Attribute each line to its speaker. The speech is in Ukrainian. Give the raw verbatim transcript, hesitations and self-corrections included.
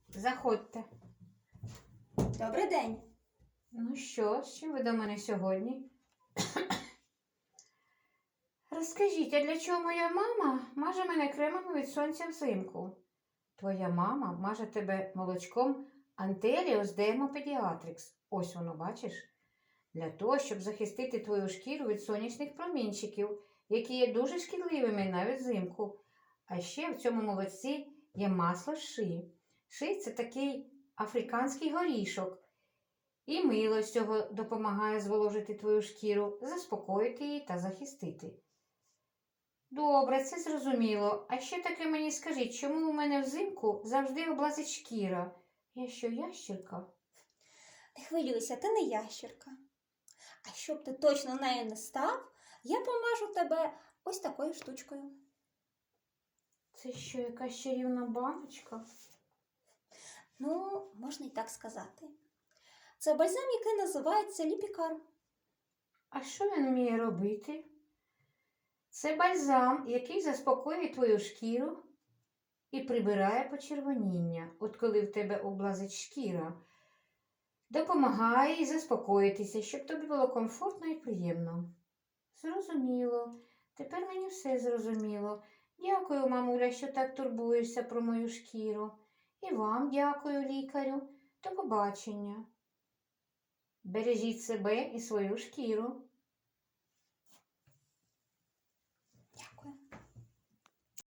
Speaker 1: Заходьте.
Speaker 2: Добрий день.
Speaker 1: Ну що, з чим ви до мене сьогодні? Розкажіть, а для чого моя мама маже мене кремом від сонця взимку? Твоя мама маже тебе молочком Антеліос Дермопедіатрикс. Ось воно, бачиш? Для того, щоб захистити твою шкіру від сонячних промінчиків, які є дуже шкідливими навіть взимку. А ще в цьому молочці є масло ши. Ши – це такий африканський горішок. І мило з цього допомагає зволожити твою шкіру, заспокоїти її та захистити. Добре, це зрозуміло. А ще таке мені скажіть, чому у мене взимку завжди облазить шкіра? Я що, ящерка?
Speaker 2: Не хвилюйся, ти не ящерка. А щоб ти точно нею не став, я помажу тебе ось такою штучкою.
Speaker 1: Це що, якась чарівна баночка?
Speaker 2: Ну, можна і так сказати. Це бальзам, який називається ліпікар.
Speaker 1: А що він вміє робити? Це бальзам, який заспокоює твою шкіру і прибирає почервоніння, от коли в тебе облазить шкіра. Допомагає і заспокоїтися, щоб тобі було комфортно і приємно. Зрозуміло. Тепер мені все зрозуміло. Дякую, мамуля, що так турбуєшся про мою шкіру. І вам дякую, лікарю. До побачення. Бережіть себе і свою шкіру.